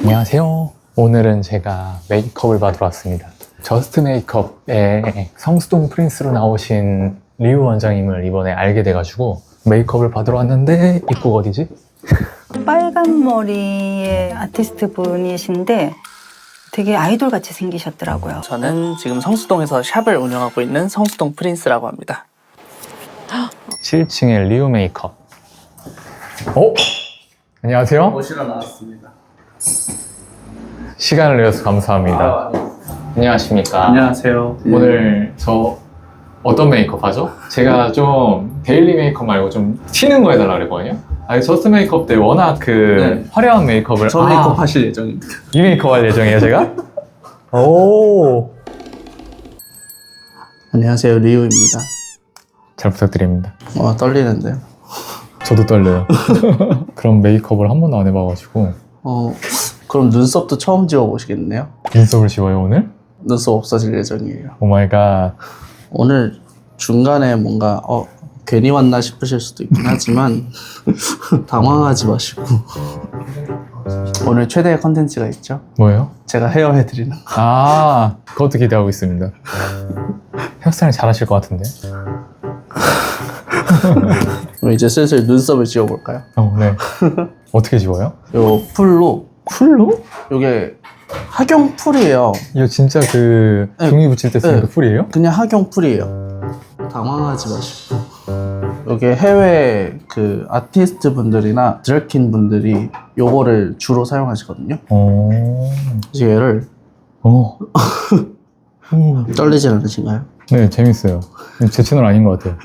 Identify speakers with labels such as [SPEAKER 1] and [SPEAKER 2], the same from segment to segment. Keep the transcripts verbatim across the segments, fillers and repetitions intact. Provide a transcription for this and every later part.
[SPEAKER 1] 안녕하세요. 오늘은 제가 메이크업을 받으러 왔습니다. 저스트 메이크업의 성수동 프린스로 나오신 리우 원장님을 이번에 알게 돼가지고 메이크업을 받으러 왔는데 입국 어디지?
[SPEAKER 2] 빨간 머리의 아티스트 분이신데 되게 아이돌 같이 생기셨더라고요.
[SPEAKER 3] 저는 지금 성수동에서 샵을 운영하고 있는 성수동 프린스라고 합니다.
[SPEAKER 1] 칠 층의 리우 메이크업. 어? 안녕하세요.
[SPEAKER 3] 모시러 나왔습니다.
[SPEAKER 1] 시간을 내줘서 감사합니다.
[SPEAKER 3] 아, 네.
[SPEAKER 1] 안녕하십니까.
[SPEAKER 3] 안녕하세요.
[SPEAKER 1] 오늘 저 어떤 메이크업 하죠? 제가 좀 데일리 메이크업 말고 좀 튀는 거 해달라 그랬거든요. 아니 저스트 메이크업 때 워낙 그
[SPEAKER 3] 네.
[SPEAKER 1] 화려한 메이크업을
[SPEAKER 3] 저
[SPEAKER 1] 아,
[SPEAKER 3] 메이크업 하실 예정입니다.
[SPEAKER 1] 이 메이크업 할 예정이에요 제가? 오.
[SPEAKER 3] 안녕하세요, 리우입니다.
[SPEAKER 1] 잘 부탁드립니다.
[SPEAKER 3] 와, 떨리는데요.
[SPEAKER 1] 저도 떨려요. 그런 메이크업을 한 번도 안 해봐가지고.
[SPEAKER 3] 어, 그럼 눈썹도 처음 지워보시겠네요?
[SPEAKER 1] 눈썹을 지워요 오늘?
[SPEAKER 3] 눈썹 없어질 예정이에요.
[SPEAKER 1] 오 마이 갓.
[SPEAKER 3] 오늘 중간에 뭔가 어 괜히 왔나 싶으실 수도 있긴 하지만 당황하지 마시고 오늘 최대의 컨텐츠가 있죠?
[SPEAKER 1] 뭐예요?
[SPEAKER 3] 제가 헤어 해드리는 거.
[SPEAKER 1] 아, 그것도 기대하고 있습니다. 헤어스타일 잘하실 것 같은데?
[SPEAKER 3] 그럼 이제 슬슬 눈썹을 지워볼까요?
[SPEAKER 1] 어, 네. 어떻게 지워요?
[SPEAKER 3] 요 풀로
[SPEAKER 1] 풀로?
[SPEAKER 3] 요게 학용 풀이에요.
[SPEAKER 1] 이거 진짜 그
[SPEAKER 3] 네.
[SPEAKER 1] 종이 붙일 때 쓰는
[SPEAKER 3] 네.
[SPEAKER 1] 그 풀이에요?
[SPEAKER 3] 그냥 학용 풀이에요. 당황하지 마시고. 요게 해외 그 아티스트 분들이나 드래킨 분들이 요거를 주로 사용하시거든요.
[SPEAKER 1] 어.
[SPEAKER 3] 그래서 얘를
[SPEAKER 1] 어. 오.
[SPEAKER 3] 떨리진 않으신가요?
[SPEAKER 1] 네, 재밌어요. 제 채널 아닌 것 같아요.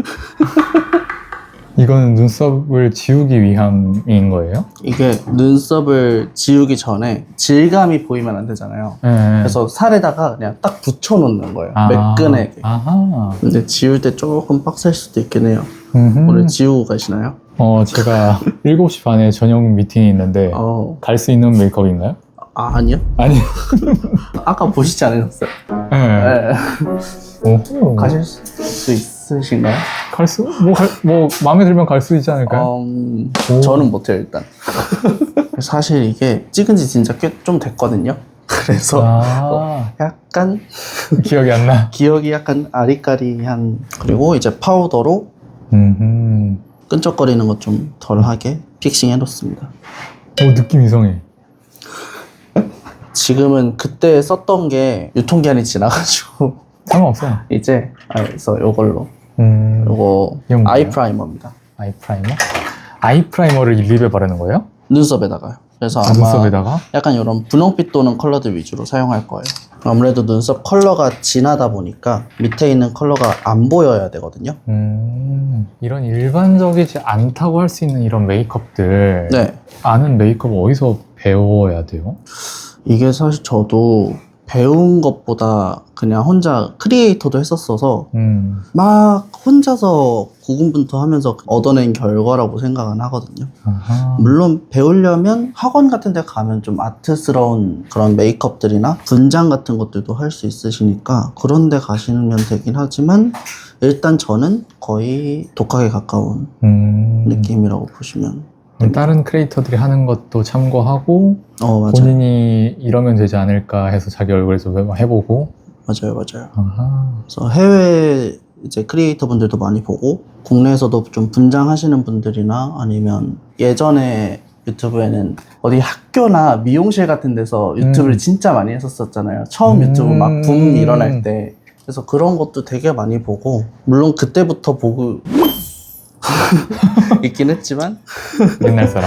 [SPEAKER 1] 이거는 눈썹을 지우기 위함인 거예요?
[SPEAKER 3] 이게 눈썹을 지우기 전에 질감이 보이면 안 되잖아요.
[SPEAKER 1] 네.
[SPEAKER 3] 그래서 살에다가 그냥 딱 붙여놓는 거예요.
[SPEAKER 1] 아.
[SPEAKER 3] 매끈하게.
[SPEAKER 1] 아하.
[SPEAKER 3] 근데 지울 때 조금 빡셀 수도 있긴 해요.
[SPEAKER 1] 음흠.
[SPEAKER 3] 오늘 지우고 가시나요?
[SPEAKER 1] 어, 제가 일곱 시 반에 저녁 미팅이 있는데
[SPEAKER 3] 어,
[SPEAKER 1] 갈 수 있는 메이크업인가요?
[SPEAKER 3] 아, 아니요?
[SPEAKER 1] 아니.
[SPEAKER 3] 아까 보시지 않으셨어요?
[SPEAKER 1] 네.
[SPEAKER 3] 네.
[SPEAKER 1] 오.
[SPEAKER 3] 가실 수 있으신가요?
[SPEAKER 1] 갈 수? 뭐, 갈, 뭐 마음에 들면 갈 수 있지 않을까요?
[SPEAKER 3] 음,
[SPEAKER 1] 오.
[SPEAKER 3] 저는 못해요, 일단. 사실 이게 찍은 지 진짜 꽤 좀 됐거든요. 그래서
[SPEAKER 1] 아,
[SPEAKER 3] 약간
[SPEAKER 1] 기억이 안 나.
[SPEAKER 3] 기억이 약간 아리까리한. 그리고 이제 파우더로
[SPEAKER 1] 음.
[SPEAKER 3] 끈적거리는 것 좀 덜하게 픽싱 해놓습니다.
[SPEAKER 1] 오, 느낌 이상해.
[SPEAKER 3] 지금은 그때 썼던 게 유통기한이 지나가지고
[SPEAKER 1] 상관없어.
[SPEAKER 3] 이제 아, 그래서 요걸로
[SPEAKER 1] 음.
[SPEAKER 3] 요거
[SPEAKER 1] 이건 뭐예요?
[SPEAKER 3] 아이 프라이머입니다.
[SPEAKER 1] 아이 프라이머? 아이 프라이머를 립에 바르는 거예요?
[SPEAKER 3] 눈썹에다가요. 그래서
[SPEAKER 1] 아,
[SPEAKER 3] 아마
[SPEAKER 1] 눈썹에다가?
[SPEAKER 3] 약간 이런 분홍빛 도는 컬러들 위주로 사용할 거예요. 아무래도 눈썹 컬러가 진하다 보니까 밑에 있는 컬러가 안 보여야 되거든요.
[SPEAKER 1] 음. 이런 일반적이지 않다고 할 수 있는 이런 메이크업들.
[SPEAKER 3] 네.
[SPEAKER 1] 아는 메이크업 어디서 배워야 돼요?
[SPEAKER 3] 이게 사실 저도 배운 것보다 그냥 혼자 크리에이터도 했었어서
[SPEAKER 1] 음.
[SPEAKER 3] 막 혼자서 고군분투하면서 얻어낸 결과라고 생각은 하거든요.
[SPEAKER 1] 아하.
[SPEAKER 3] 물론 배우려면 학원 같은 데 가면 좀 아트스러운 그런 메이크업들이나 분장 같은 것들도 할 수 있으시니까 그런 데 가시면 되긴 하지만 일단 저는 거의 독학에 가까운
[SPEAKER 1] 음.
[SPEAKER 3] 느낌이라고 보시면.
[SPEAKER 1] 그럼 다른 크리에이터들이 하는 것도 참고하고
[SPEAKER 3] 어, 맞아요.
[SPEAKER 1] 본인이 이러면 되지 않을까 해서 자기 얼굴에서 해보고.
[SPEAKER 3] 맞아요, 맞아요.
[SPEAKER 1] 아하.
[SPEAKER 3] 그래서 해외 이제 크리에이터 분들도 많이 보고 국내에서도 좀 분장하시는 분들이나 아니면 예전에 유튜브에는 어디 학교나 미용실 같은 데서 유튜브를
[SPEAKER 1] 음.
[SPEAKER 3] 진짜 많이 했었잖아요. 처음
[SPEAKER 1] 음.
[SPEAKER 3] 유튜브 막 붐 일어날 때. 그래서 그런 것도 되게 많이 보고 물론 그때부터 보고 있긴 했지만
[SPEAKER 1] 옛날 사람.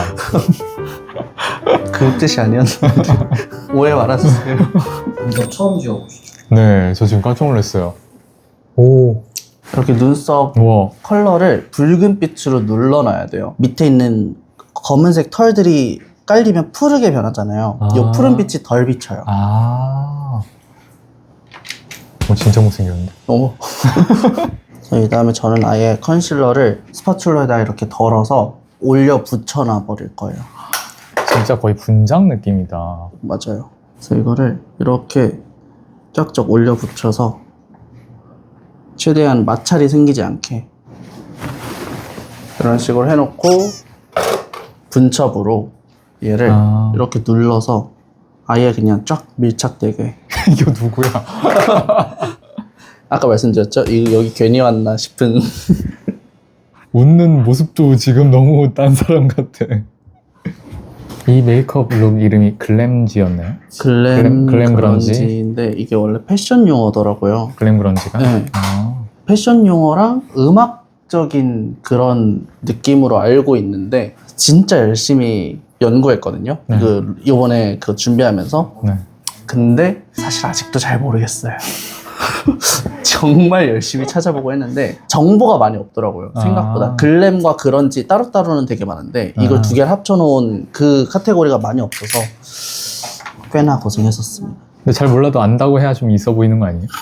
[SPEAKER 3] 그 뜻이 아니었는데 오해 말아주세요.
[SPEAKER 4] 눈썹 처음 지워보시죠.
[SPEAKER 1] 네, 저 지금 깜짝 놀랐어요. 오.
[SPEAKER 3] 이렇게 눈썹
[SPEAKER 1] 우와.
[SPEAKER 3] 컬러를 붉은 빛으로 눌러놔야 돼요. 밑에 있는 검은색 털들이 깔리면 푸르게 변하잖아요.
[SPEAKER 1] 아.
[SPEAKER 3] 이 푸른 빛이 덜 비쳐요.
[SPEAKER 1] 아. 오, 진짜 못생겼는데.
[SPEAKER 3] 너무. 이 다음에 저는 아예 컨실러를 스파츌러에다 이렇게 덜어서 올려 붙여놔 버릴 거예요.
[SPEAKER 1] 진짜 거의 분장 느낌이다.
[SPEAKER 3] 맞아요. 그래서 이거를 이렇게 쫙쫙 올려 붙여서 최대한 마찰이 생기지 않게 이런 식으로 해놓고 분첩으로 얘를
[SPEAKER 1] 아.
[SPEAKER 3] 이렇게 눌러서 아예 그냥 쫙 밀착되게.
[SPEAKER 1] 이거 누구야?
[SPEAKER 3] 아까 말씀드렸죠? 이 여기 괜히 왔나 싶은.
[SPEAKER 1] 웃는 모습도 지금 너무 딴 사람 같아. 이 메이크업 룩 이름이 글램지였나요?
[SPEAKER 3] 글램,
[SPEAKER 1] 글램- 글램 그런지?
[SPEAKER 3] 그런지인데 이게 원래 패션 용어더라고요.
[SPEAKER 1] 글램 그런지가?
[SPEAKER 3] 네.
[SPEAKER 1] 아,
[SPEAKER 3] 패션 용어랑 음악적인 그런 느낌으로 알고 있는데 진짜 열심히 연구했거든요.
[SPEAKER 1] 네.
[SPEAKER 3] 그 이번에 그 준비하면서.
[SPEAKER 1] 네.
[SPEAKER 3] 근데 사실 아직도 잘 모르겠어요. 정말 열심히 찾아보고 했는데 정보가 많이 없더라고요. 생각보다.
[SPEAKER 1] 아.
[SPEAKER 3] 글램과 그런지 따로따로는 되게 많은데 이걸
[SPEAKER 1] 아.
[SPEAKER 3] 두 개를 합쳐놓은 그 카테고리가 많이 없어서 꽤나 고생했었습니다.
[SPEAKER 1] 근데 잘 몰라도 안다고 해야 좀 있어 보이는 거 아니에요?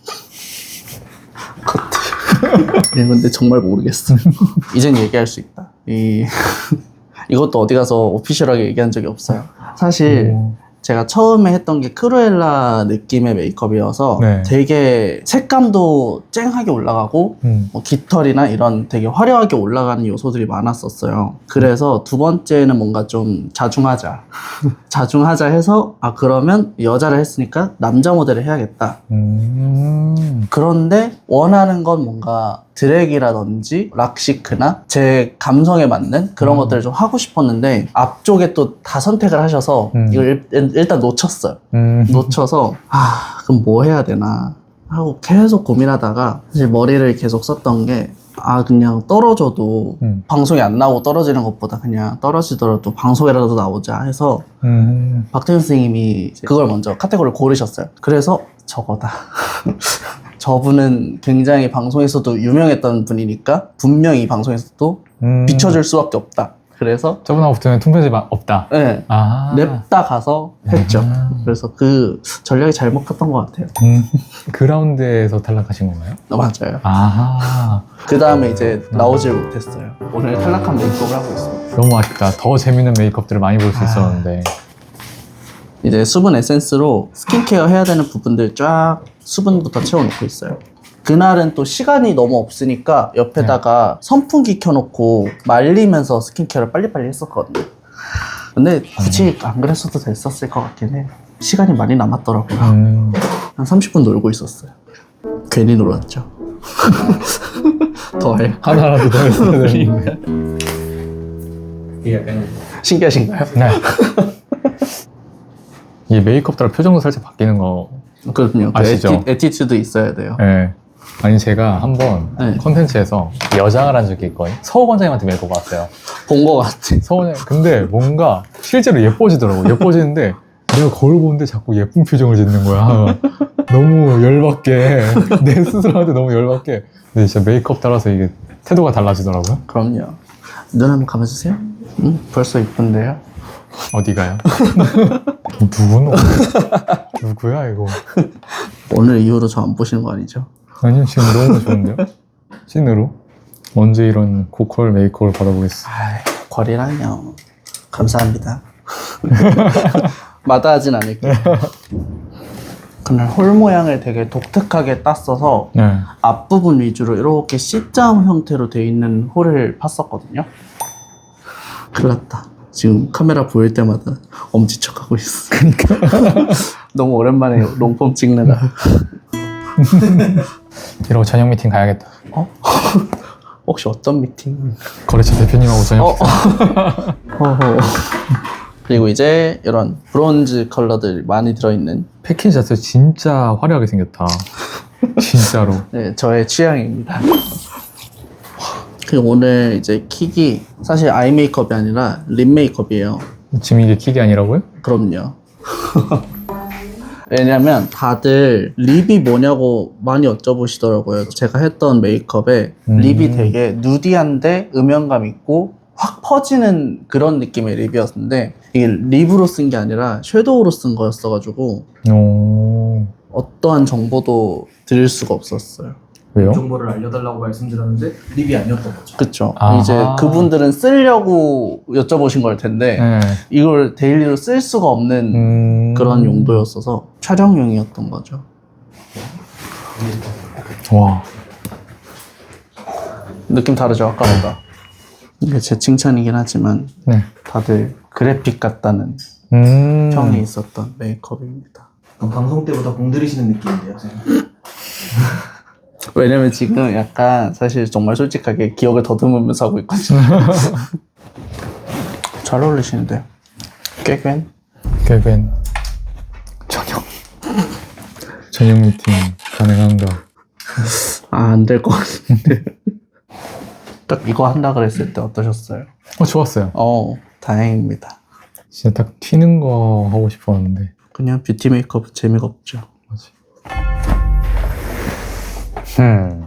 [SPEAKER 3] 네, 근데 정말 모르겠어. 이젠 얘기할 수 있다. 이 이것도 어디 가서 오피셜하게 얘기한 적이 없어요. 사실
[SPEAKER 1] 오.
[SPEAKER 3] 제가 처음에 했던 게 크루엘라 느낌의 메이크업이어서
[SPEAKER 1] 네.
[SPEAKER 3] 되게 색감도 쨍하게 올라가고
[SPEAKER 1] 음.
[SPEAKER 3] 뭐 깃털이나 이런 되게 화려하게 올라가는 요소들이 많았었어요. 그래서 두 번째는 뭔가 좀 자중하자. 자중하자 해서 아 그러면 여자를 했으니까 남자 모델을 해야겠다.
[SPEAKER 1] 음.
[SPEAKER 3] 그런데 원하는 건 뭔가 드랙이라든지 락시크나 제 감성에 맞는 그런
[SPEAKER 1] 음.
[SPEAKER 3] 것들을 좀 하고 싶었는데 앞쪽에 또 다 선택을 하셔서
[SPEAKER 1] 음.
[SPEAKER 3] 이걸 일, 일단 놓쳤어요.
[SPEAKER 1] 음.
[SPEAKER 3] 놓쳐서 아 그럼 뭐 해야 되나 하고 계속 고민하다가 사실 머리를 계속 썼던 게 아 그냥 떨어져도
[SPEAKER 1] 음.
[SPEAKER 3] 방송에 안 나오고 떨어지는 것보다 그냥 떨어지더라도 방송에라도 나오자 해서
[SPEAKER 1] 음.
[SPEAKER 3] 박태현 선생님이 그걸 먼저 카테고리를 고르셨어요. 그래서 저거다. 저분은 굉장히 방송에서도 유명했던 분이니까 분명히 방송에서도
[SPEAKER 1] 음.
[SPEAKER 3] 비춰줄 수밖에 없다. 그래서
[SPEAKER 1] 저분하고 붙으면 통편집 없다.
[SPEAKER 3] 네,
[SPEAKER 1] 아.
[SPEAKER 3] 냅다 가서 했죠.
[SPEAKER 1] 아.
[SPEAKER 3] 그래서 그 전략이 잘 먹혔던 것 같아요.
[SPEAKER 1] 음. 그 라운드에서 탈락하신 건가요?
[SPEAKER 3] 어, 맞아요.
[SPEAKER 1] 아.
[SPEAKER 3] 그 다음에 이제 나오질 못했어요. 오늘 탈락한 메이크업을 하고 있습니다.
[SPEAKER 1] 너무 아쉽다. 더 재밌는 메이크업들을 많이 볼 수
[SPEAKER 3] 아.
[SPEAKER 1] 있었는데.
[SPEAKER 3] 이제 수분 에센스로 스킨케어 해야 되는 부분들 쫙 수분부터 채워놓고 있어요. 그날은 또 시간이 너무 없으니까 옆에다가 선풍기 켜놓고 말리면서 스킨케어를 빨리빨리 했었거든요. 근데 굳이 안 그랬어도 됐었을 것 같긴 해. 시간이 많이 남았더라고요.
[SPEAKER 1] 음.
[SPEAKER 3] 한 삼십 분 놀고 있었어요. 괜히 놀았죠. 더 해.
[SPEAKER 1] 하나라도 더 했어야 되는데.
[SPEAKER 4] 이게 약간
[SPEAKER 3] 신기하신가요?
[SPEAKER 1] 네. 이 메이크업 따라 표정도 살짝 바뀌는 거.
[SPEAKER 3] 그럼요. 그
[SPEAKER 1] 아시죠?
[SPEAKER 3] 에티, 에티튜드 있어야 돼요.
[SPEAKER 1] 네. 아니 제가 한번
[SPEAKER 3] 네.
[SPEAKER 1] 컨텐츠에서 여장을 한 적이 있거든요. 서욱 원장님한테 메이크업 받았어요.
[SPEAKER 3] 본 것 같아.
[SPEAKER 1] 서욱 원장님. 근데 뭔가 실제로 예뻐지더라고. 예뻐지는데 내가 거울 보는데 자꾸 예쁜 표정을 짓는 거야. 너무 열받게. 내 스스로한테 너무 열받게. 근데 진짜 메이크업 따라서 이게 태도가 달라지더라고요.
[SPEAKER 3] 그럼요. 눈 한번 감아주세요. 응? 벌써 이쁜데요?
[SPEAKER 1] 어디가요? 누구노? 누구야 이거?
[SPEAKER 3] 오늘 이후로 저 안 보시는 거 아니죠?
[SPEAKER 1] 아니요 지금 너무 좋은데요? 찐으로? 언제 이런 고퀄 메이크업을 받아보겠어.
[SPEAKER 3] 아이, 거리라뇨. 감사합니다. 마다하진 않을게요. 그날 홀 모양을 되게 독특하게 땄어서
[SPEAKER 1] 네.
[SPEAKER 3] 앞부분 위주로 이렇게 C자 형태로 돼 있는 홀을 팠었거든요. 큰일 났다. 지금 카메라 보일 때마다 엄지척하고 있어. 그러니까. 너무 오랜만에 롱폼 찍느라.
[SPEAKER 1] 이러고 저녁 미팅 가야겠다.
[SPEAKER 3] 어? 혹시 어떤 미팅?
[SPEAKER 1] 거래처 대표님하고 저녁
[SPEAKER 3] 어, 어허. 그리고 이제 이런 브론즈 컬러들 많이 들어있는
[SPEAKER 1] 패키지 자체 진짜 화려하게 생겼다. 진짜로.
[SPEAKER 3] 네, 저의 취향입니다. 그리고 오늘 이제 킥이 사실 아이 메이크업이 아니라 립 메이크업이에요.
[SPEAKER 1] 지금 이게 킥이 아니라고요?
[SPEAKER 3] 그럼요. 왜냐면 다들 립이 뭐냐고 많이 여쭤보시더라고요. 제가 했던 메이크업에
[SPEAKER 1] 음.
[SPEAKER 3] 립이 되게 누디한데 음영감 있고 확 퍼지는 그런 느낌의 립이었는데 이게 립으로 쓴 게 아니라 섀도우로 쓴 거였어가지고
[SPEAKER 1] 오.
[SPEAKER 3] 어떠한 정보도 드릴 수가 없었어요.
[SPEAKER 1] 왜요?
[SPEAKER 4] 정보를 알려달라고 말씀드렸는데 립이 아니었던 거죠.
[SPEAKER 3] 그쵸.
[SPEAKER 1] 아하.
[SPEAKER 3] 이제 그분들은 쓰려고 여쭤보신 걸 텐데
[SPEAKER 1] 네.
[SPEAKER 3] 이걸 데일리로 쓸 수가 없는
[SPEAKER 1] 음...
[SPEAKER 3] 그런 용도였어서 촬영용이었던 거죠.
[SPEAKER 1] 와.
[SPEAKER 3] 느낌 다르죠, 아까보다. 이게 제 칭찬이긴 하지만
[SPEAKER 1] 네.
[SPEAKER 3] 다들 그래픽 같다는
[SPEAKER 1] 음.
[SPEAKER 3] 평이 있었던 메이크업입니다.
[SPEAKER 4] 그럼 방송 때보다 공들이시는 느낌인데요, 선생님?
[SPEAKER 3] 왜냐면 지금 약간 사실 정말 솔직하게 기억을 더듬으면서 하고 있거든요. 잘 어울리시는데요. 깨괭?
[SPEAKER 1] 개벤 저녁 저녁 미팅 가능한가?
[SPEAKER 3] 아, 안 될 것 같은데. 딱 이거 한다 그랬을 때 어떠셨어요?
[SPEAKER 1] 어 좋았어요.
[SPEAKER 3] 어, 다행입니다.
[SPEAKER 1] 진짜 딱 튀는 거 하고 싶었는데.
[SPEAKER 3] 그냥 뷰티 메이크업 재미가 없죠.
[SPEAKER 1] 뭐지? 음.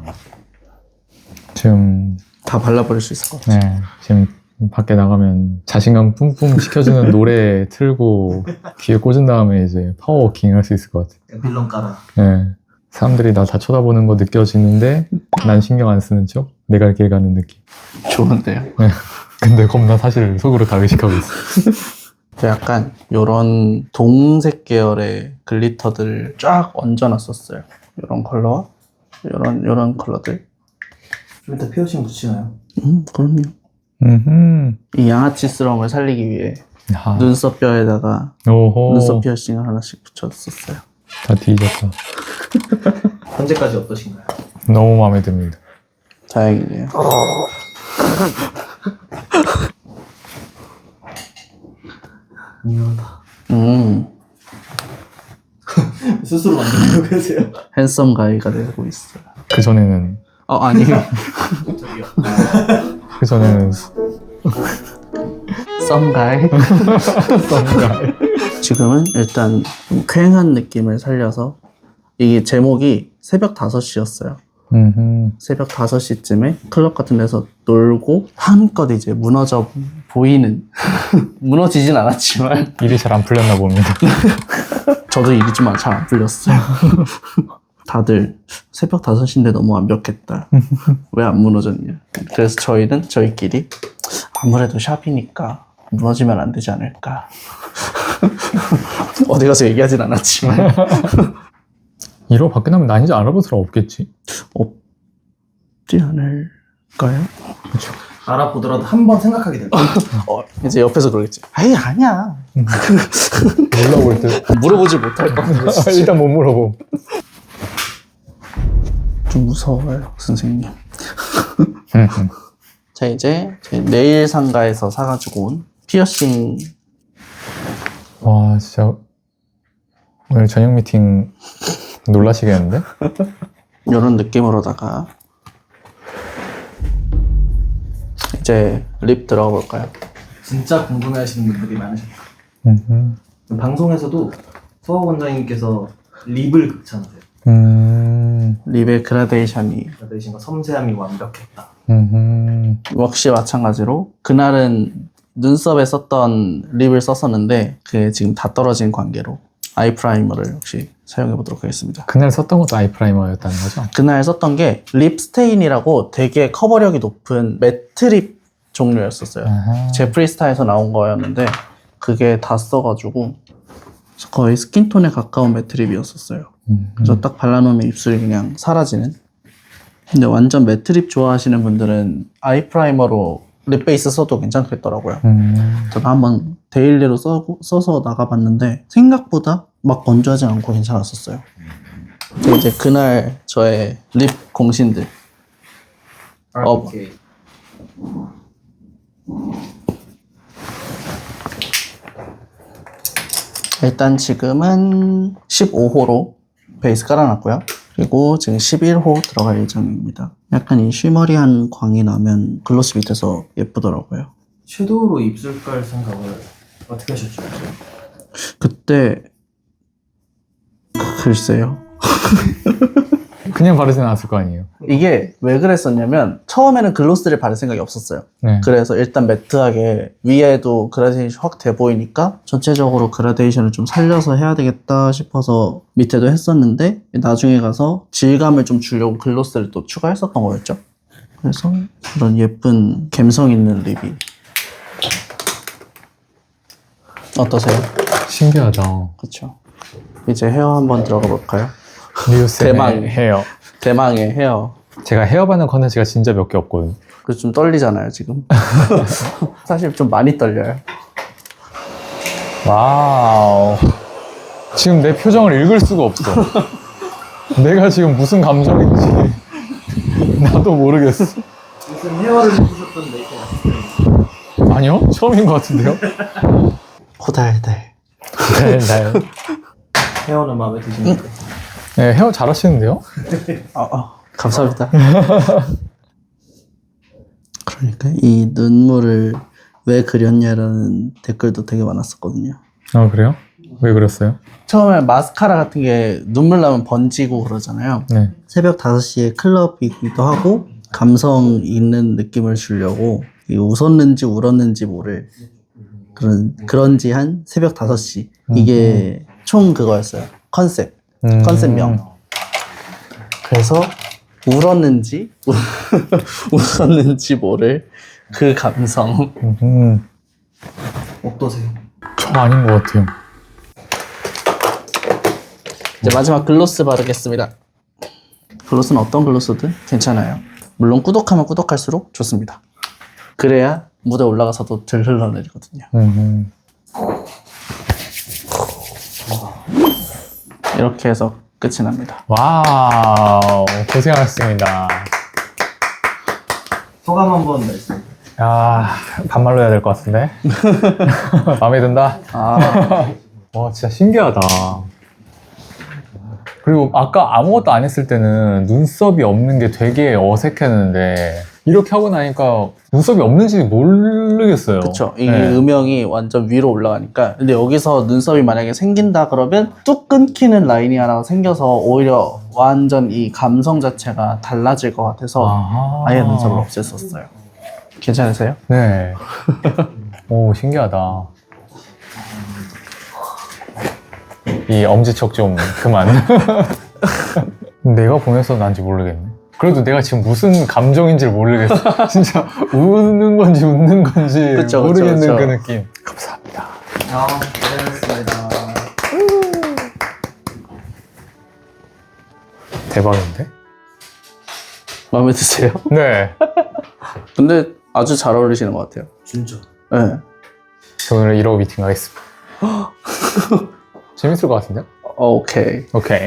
[SPEAKER 1] 지금
[SPEAKER 3] 다 발라버릴 수 있을 것 같아요.
[SPEAKER 1] 네 지금 밖에 나가면 자신감 뿜뿜 시켜주는 노래 틀고 귀에 꽂은 다음에 이제 파워워킹 할 수 있을 것 같아요.
[SPEAKER 4] 빌런 깔아.
[SPEAKER 1] 네. 사람들이 나 다 쳐다보는 거 느껴지는데 난 신경 안 쓰는 척 내 갈 길 가는 느낌.
[SPEAKER 3] 좋은데요?
[SPEAKER 1] 네. 근데 겁나 사실 속으로 다 의식하고 있어.
[SPEAKER 3] 저 약간 요런 동색 계열의 글리터들을 쫙 얹어놨었어요. 요런 컬러와 요런 요런 컬러들.
[SPEAKER 4] 좀 이따 피어싱 붙이나요?
[SPEAKER 3] 음, 그럼요.
[SPEAKER 1] 음흠.
[SPEAKER 3] 이 양아치스러움을 살리기 위해
[SPEAKER 1] 야.
[SPEAKER 3] 눈썹 뼈에다가
[SPEAKER 1] 오호.
[SPEAKER 3] 눈썹 피어싱을 하나씩 붙였었어요.
[SPEAKER 1] 다 뒤졌다.
[SPEAKER 4] 현재까지 어떠신가요?
[SPEAKER 1] 너무 마음에 듭니다.
[SPEAKER 3] 다행이네요.
[SPEAKER 4] 미안하다.
[SPEAKER 3] 음,
[SPEAKER 4] 스스로 만들려고 그러세요?
[SPEAKER 3] 핸섬 가이가 되고 있어요.
[SPEAKER 1] 그 전에는
[SPEAKER 3] 어, 아니에요.
[SPEAKER 4] 저기요.
[SPEAKER 1] 그 전에는
[SPEAKER 3] 썸 가이. 지금은 일단 좀 쾌한 느낌을 살려서 이게 제목이 새벽 다섯 시였어요.
[SPEAKER 1] 음흠.
[SPEAKER 3] 새벽 다섯 시쯤에 클럽 같은 데서 놀고 한껏 이제 무너져 보이는 무너지진 않았지만
[SPEAKER 1] 일이 잘 안 풀렸나 봅니다.
[SPEAKER 3] 저도 일이 좀 잘 안 풀렸어요. 다들 새벽 다섯 시인데 너무 완벽했다. 왜 안 무너졌냐. 그래서 저희는 저희끼리 아무래도 샵이니까 무너지면 안 되지 않을까. 어디 가서 얘기하진 않았지만
[SPEAKER 1] 이러고 밖에 나면 나 이제 알아볼 사람 없겠지?
[SPEAKER 3] 없지 않을까요?
[SPEAKER 4] 알아보더라도 한 번 생각하게 될 거예요.
[SPEAKER 3] 어, 이제 옆에서 그러겠지. 에이, 아니야.
[SPEAKER 1] 몰라볼 듯.
[SPEAKER 3] 물어보지 못할 것 같아.
[SPEAKER 1] 일단 못 물어보.
[SPEAKER 3] 좀 무서워요, 선생님. 자, 이제 제 네일 상가에서 사가지고 온 피어싱.
[SPEAKER 1] 와 진짜 오늘 저녁 미팅 놀라시겠는데?
[SPEAKER 3] 이런 느낌으로다가 이제 립 들어가 볼까요?
[SPEAKER 4] 진짜 궁금해하시는 분들이 많으실
[SPEAKER 1] 음흠.
[SPEAKER 4] 거예요. 방송에서도 서학 원장님께서 립을 극찬하세요.
[SPEAKER 1] 음.
[SPEAKER 3] 립의 그라데이션이
[SPEAKER 4] 그라데이션과 섬세함이 완벽했다.
[SPEAKER 1] 음흠.
[SPEAKER 3] 역시 마찬가지로 그날은 눈썹에 썼던 립을 썼었는데 그게 지금 다 떨어진 관계로 아이 프라이머를 역시 사용해 보도록 하겠습니다.
[SPEAKER 1] 그날 썼던 것도 아이 프라이머였다는 거죠?
[SPEAKER 3] 그날 썼던 게 립스테인이라고 되게 커버력이 높은 매트 립 종류였었어요.
[SPEAKER 1] 아하.
[SPEAKER 3] 제프리스타에서 나온 거였는데 그게 다 써가지고 거의 스킨톤에 가까운 매트 립이었었어요.
[SPEAKER 1] 음.
[SPEAKER 3] 그래서 딱 발라놓으면 입술이 그냥 사라지는. 근데 완전 매트 립 좋아하시는 분들은 아이 프라이머로 립 베이스 써도 괜찮겠더라고요.
[SPEAKER 1] 음.
[SPEAKER 3] 제가 한번 데일리로 써, 써서 나가봤는데 생각보다 막 건조하지 않고 괜찮았었어요. 근데 이제 그날 저의 립 공신들.
[SPEAKER 4] 아,
[SPEAKER 3] 어.
[SPEAKER 4] 오케이.
[SPEAKER 3] 일단 지금은 십오 호로 베이스 깔아놨고요. 그리고 지금 십일 호 들어갈 예정입니다. 약간 이 쉬머리한 광이 나면 글로스 밑에서 예쁘더라고요.
[SPEAKER 4] 섀도우로 입술 깔 생각을 어떻게 하셨죠?
[SPEAKER 3] 그때 글쎄요.
[SPEAKER 1] 그냥 바르진 않았을 거 아니에요?
[SPEAKER 3] 이게 왜 그랬었냐면 처음에는 글로스를 바를 생각이 없었어요.
[SPEAKER 1] 네.
[SPEAKER 3] 그래서 일단 매트하게 위에도 그라데이션 확 돼 보이니까 전체적으로 그라데이션을 좀 살려서 해야 되겠다 싶어서 밑에도 했었는데 나중에 가서 질감을 좀 주려고 글로스를 또 추가했었던 거였죠. 그래서 그런 예쁜 감성 있는 립이 어떠세요?
[SPEAKER 1] 신기하다.
[SPEAKER 3] 그렇죠. 이제 헤어 한번 들어가 볼까요?
[SPEAKER 1] 리우스의
[SPEAKER 3] 대망.
[SPEAKER 1] 헤어.
[SPEAKER 3] 대망의 헤어.
[SPEAKER 1] 제가 헤어 받는 컨텐츠가 진짜 몇 개 없거든요.
[SPEAKER 3] 그래서 좀 떨리잖아요 지금. 사실 좀 많이 떨려요.
[SPEAKER 1] 와우. 지금 내 표정을 읽을 수가 없어. 내가 지금 무슨 감정인지 나도 모르겠어.
[SPEAKER 4] 무슨 헤어를 해주셨던 메이크업 아티스트.
[SPEAKER 1] 아니요? 처음인 것 같은데요?
[SPEAKER 3] 호달달.
[SPEAKER 1] 네, 네.
[SPEAKER 4] 헤어는 마음에 드십니까?
[SPEAKER 1] 네, 헤어 잘하시는데요?
[SPEAKER 3] 어, 어, 감사합니다. 그러니까 이 눈물을 왜 그렸냐라는 댓글도 되게 많았었거든요.
[SPEAKER 1] 아, 그래요? 왜 그랬어요?
[SPEAKER 3] 처음에 마스카라 같은 게 눈물 나면 번지고 그러잖아요.
[SPEAKER 1] 네.
[SPEAKER 3] 새벽 다섯 시에 클럽이기도 하고 감성 있는 느낌을 주려고 이 웃었는지 울었는지 모를 그런 그런지 한 새벽 다섯 시 이게 총 그거였어요. 컨셉
[SPEAKER 1] 음.
[SPEAKER 3] 컨셉명. 그래서 울었는지 웃었는지 모를 그 감성.
[SPEAKER 1] 음,
[SPEAKER 4] 어떠세요?
[SPEAKER 1] 저 아닌 것 같아요.
[SPEAKER 3] 이제 마지막 글로스 바르겠습니다. 글로스는 어떤 글로스든 괜찮아요. 물론 꾸덕하면 꾸덕할수록 좋습니다. 그래야 무대 올라가서도 덜 흘러내리거든요.
[SPEAKER 1] 음,
[SPEAKER 3] 이렇게 해서 끝이 납니다.
[SPEAKER 1] 와우, 고생하셨습니다.
[SPEAKER 4] 소감 한번 말씀.
[SPEAKER 1] 야, 반말로 해야 될 것 같은데? 마음에 든다?
[SPEAKER 3] 아,
[SPEAKER 1] 와, 진짜 신기하다. 그리고 아까 아무것도 안 했을 때는 눈썹이 없는 게 되게 어색했는데 이렇게 하고 나니까 눈썹이 없는지 모르겠어요.
[SPEAKER 3] 그쵸. 이
[SPEAKER 1] 네.
[SPEAKER 3] 음영이 완전 위로 올라가니까. 근데 여기서 눈썹이 만약에 생긴다 그러면 뚝 끊기는 라인이 하나 생겨서 오히려 완전 이 감성 자체가 달라질 것 같아서
[SPEAKER 1] 아하.
[SPEAKER 3] 아예 눈썹을 없앴었어요. 괜찮으세요?
[SPEAKER 1] 네. 오, 신기하다. 이 엄지척 좀 그만. 내가 보내서 난지 모르겠네. 그래도 내가 지금 무슨 감정인지를 모르겠어. 진짜 우는 건지 웃는 건지
[SPEAKER 3] 그쵸,
[SPEAKER 1] 모르겠는
[SPEAKER 3] 그쵸, 그쵸.
[SPEAKER 1] 그 느낌. 감사합니다.
[SPEAKER 4] 아, 고생하셨습니다.
[SPEAKER 1] 대박인데?
[SPEAKER 3] 마음에 드세요?
[SPEAKER 1] 네.
[SPEAKER 3] 근데 아주 잘 어울리시는 것 같아요.
[SPEAKER 4] 진짜.
[SPEAKER 3] 네.
[SPEAKER 1] 저 오늘 이러고 미팅 가겠습니다. 재밌을 것 같은데요?
[SPEAKER 3] 어, 오케이.
[SPEAKER 1] 오케이.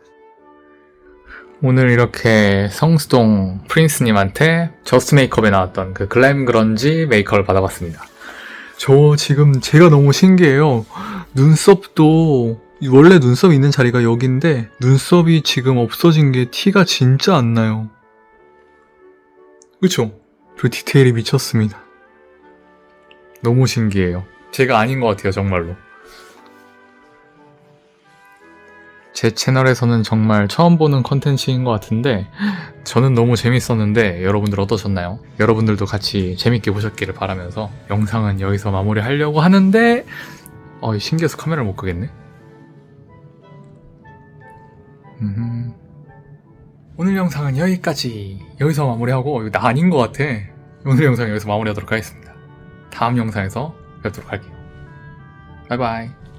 [SPEAKER 1] 오늘 이렇게 성수동 프린스님한테 저스트 메이크업에 나왔던 그 글램 그런지 메이크업을 받아봤습니다. 저 지금 제가 너무 신기해요. 눈썹도 원래 눈썹 있는 자리가 여기인데 눈썹이 지금 없어진 게 티가 진짜 안 나요. 그쵸? 그 디테일이 미쳤습니다. 너무 신기해요. 제가 아닌 것 같아요, 정말로. 제 채널에서는 정말 처음 보는 컨텐츠인 것 같은데 저는 너무 재밌었는데 여러분들 어떠셨나요? 여러분들도 같이 재밌게 보셨기를 바라면서 영상은 여기서 마무리하려고 하는데 어, 신기해서 카메라를 못 끄겠네. 음... 오늘 영상은 여기까지. 여기서 마무리하고 이거 나 아닌 것 같아. 오늘 영상 여기서 마무리하도록 하겠습니다. 다음 영상에서 뵙도록 할게요. 바이바이.